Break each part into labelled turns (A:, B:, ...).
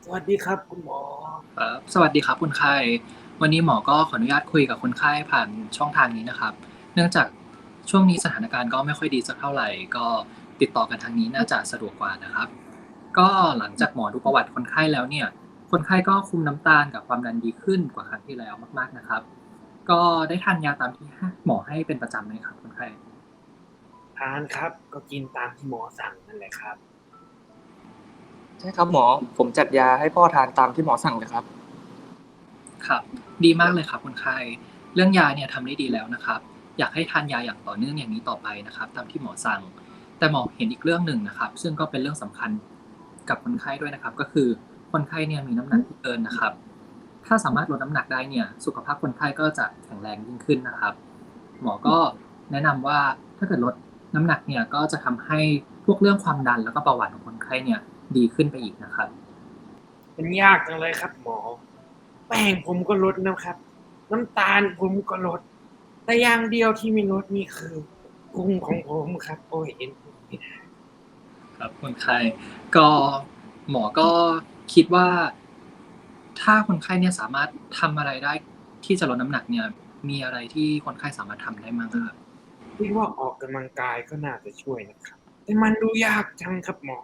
A: สวัสดีครับคุณหมอ
B: ครับสวัสดีครับคนไข้วันนี้หมอก็ขออนุญาตคุยกับคนไข้ผ่านช่องทางนี้นะครับเนื่องจากช่วงนี้สถานการณ์ก็ไม่ค่อยดีสักเท่าไรก็ติดต่อกันทางนี้น่าจะสะดวกกว่านะครับก็หลังจากหมอดูประวัติคนไข้แล้วเนี่ยคนไข้ก็คุมน้ำตาลกับความดันดีขึ้นกว่าครั้งที่แล้วมากๆนะครับก็ได้ทานยาตามที่หมอให้เป็นประจำไหมครับคนไข้
A: ทานครับก็กินตามที่หมอสั่งนั่นแหละครับ
C: ใช่ครับหมอผมจัดยาให้พ่อทานตามที่หมอสั่งเลยครับ
B: ครับดีมากเลยครับคนไข้เรื่องยาเนี่ยทำได้ดีแล้วนะครับอยากให้ทานยาอย่างต่อเนื่องอย่างนี้ต่อไปนะครับตามที่หมอสั่ง แต่หมอเห็นอีกเรื่องหนึ่งนะครับซึ่งก็เป็นเรื่องสำคัญกับคนไข้ด้วยนะครับก็คือคนไข้เนี่ยมีน้ำหนักที่เกินนะครับถ้าสามารถลดน้ำหนักได้เนี่ยสุขภาพคนไข้ก็จะแข็งแรงยิ่งขึ้นนะครับหมอก็แนะนำว่าถ้าเกิดลดน้ำหนักเนี่ยก็จะทำให้พวกเรื่องความดันแล้วก็เบาหวานของคนไข้เนี่ยดีขึ้นไปอีกนะครับ
A: มันยากจังเลยครับหมอแป้งผมก็ลดนะครับน้ำตาลผมก็ลดแต่อย่างเดียวที่ไม่ลดนี่คือพุงของผมครับโอ้ยเห็นพุงไม่ได้
B: ครับคนไข้ก็หมอก็คิดว่าถ้าคนไข้เนี่ยสามารถทำอะไรได้ที่จะลดน้ำหนักเนี่ยมีอะไรที่คนไข้สามารถทำได้บ้างอะครับ
A: คิดว่าออกกำลังกายก็น่าจะช่วยนะครับแต่มันดูยากจังครับหมอ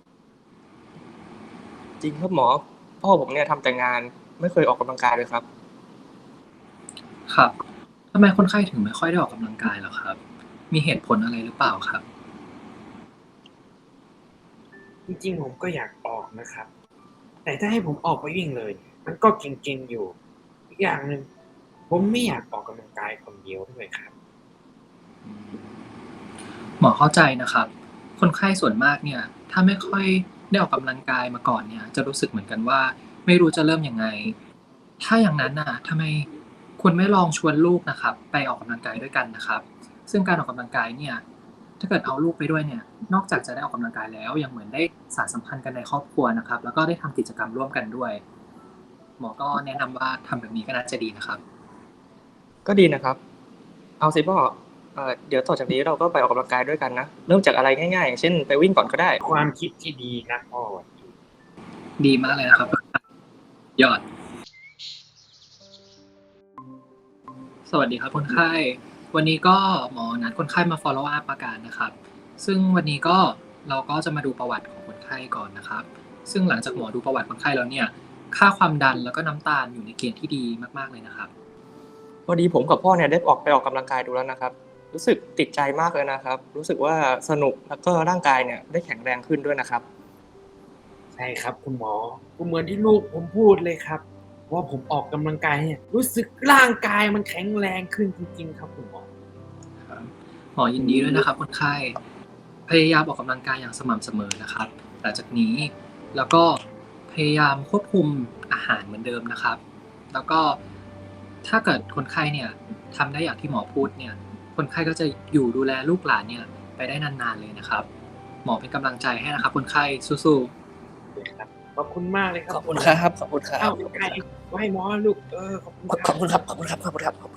C: จริงครับหมอพ่อผมเนี่ยทำแต่งานไม่เคยออกกำลังกายเลยครับ
B: ครับทำไมคนไข้ถึงไม่ค่อยได้ออกกำลังกายเหรอครับ มีเหตุผลอะไรหรือเปล่าครับ
A: จริงๆผมก็อยากออกนะครับแต่ถ้าให้ผมออกไปวิ่งเลยมันก็เก่งๆอยู่อีกอย่างหนึ่งผมไม่อยากออกกำลังกายคนเดียวด้วยครับ
B: หมอเข้าใจนะครับ คนไข้ส่วนมากเนี่ยถ้าไม่ค่อยได้ออกกำลังกายมาก่อนเนี่ยจะรู้สึกเหมือนกันว่าไม่รู้จะเริ่มยังไง ถ้าอย่างนั้นน่ะทำไมคุณไม่ลองชวนลูกนะครับไปออกกำลังกายด้วยกันนะครับซึ่งการออกกำลังกายเนี่ยถ้าเกิดเอาลูกไปด้วยเนี่ยนอกจากจะได้ออกกำลังกายแล้วยังเหมือนได้สานสัมพันธ์กันในครอบครัวนะครับแล้วก็ได้ทำกิจกรรมร่วมกันด้วยหมอก็แนะนำว่าทำแบบนี้ก็น่าจะดีนะครับ
C: ก็ดีนะครับเอาสิพ่อเดี๋ยวต่อจากนี้เราก็ไปออกกำลังกายด้วยกันนะเริ่มจากอะไรง่ายๆอย่างเช่นไปวิ่งก่อนก็ได้
A: ความคิดที่ดีนะพ่อวันนี้
B: ดีมากเลยนะครับยอดสวัสดีครับคนไข้วันนี้ก็หมอนัดคนไข้มา follow up อาการนะครับซึ่งวันนี้ก็เราก็จะมาดูประวัติของคนไข้ก่อนนะครับซึ่งหลังจากหมอดูประวัติคนไข้แล้วเนี่ยค่าความดันแล้วก็น้ำตาลอยู่ในเกณฑ์ที่ดีมากๆเลยนะครับ
C: พอดีผมกับพ่อเนี่ยได้ไปออกกำลังกายดูแล้วนะครับรู้สึกติดใจมากเลยนะครับรู้สึกว่าสนุกแล้วก็ร่างกายเนี่ยได้แข็งแรงขึ้นด้วยนะครับ
A: ใช่ครับคุณหมอก็เหมือนที่ลูกผมพูดเลยครับว่าผมออกกำลังกายเนี่ยรู้สึกร่างกายมันแข็งแรงขึ้นจริงๆครับคุณหมอ
B: ครับหมอยินดีด้วยนะครับคนไข้พยายามออกกำลังกายอย่างสม่ำเสมอนะครับหลังจากนี้แล้วก็พยายามควบคุมอาหารเหมือนเดิมนะครับแล้วก็ถ้าเกิดคนไข้เนี่ยทำได้อย่างที่หมอพูดเนี่ยคนไข้ก็จะอยู่ดูแลลูกหลานเนี่ยไปได้นานๆเลยนะครับหมอเป็นกำลังใจให้นะครับคนไข้สู้
A: เลยครับขอบคุณมากเลยครั
C: ขอบ
A: บคุณหมอ
C: คุณครับขอบคุณครั
A: เอ้า
C: บ
A: ไก่ไว้หมอลูกขอบคุณครับ
C: ขอบคุณครับขอบคุณครับขอบคุณครับ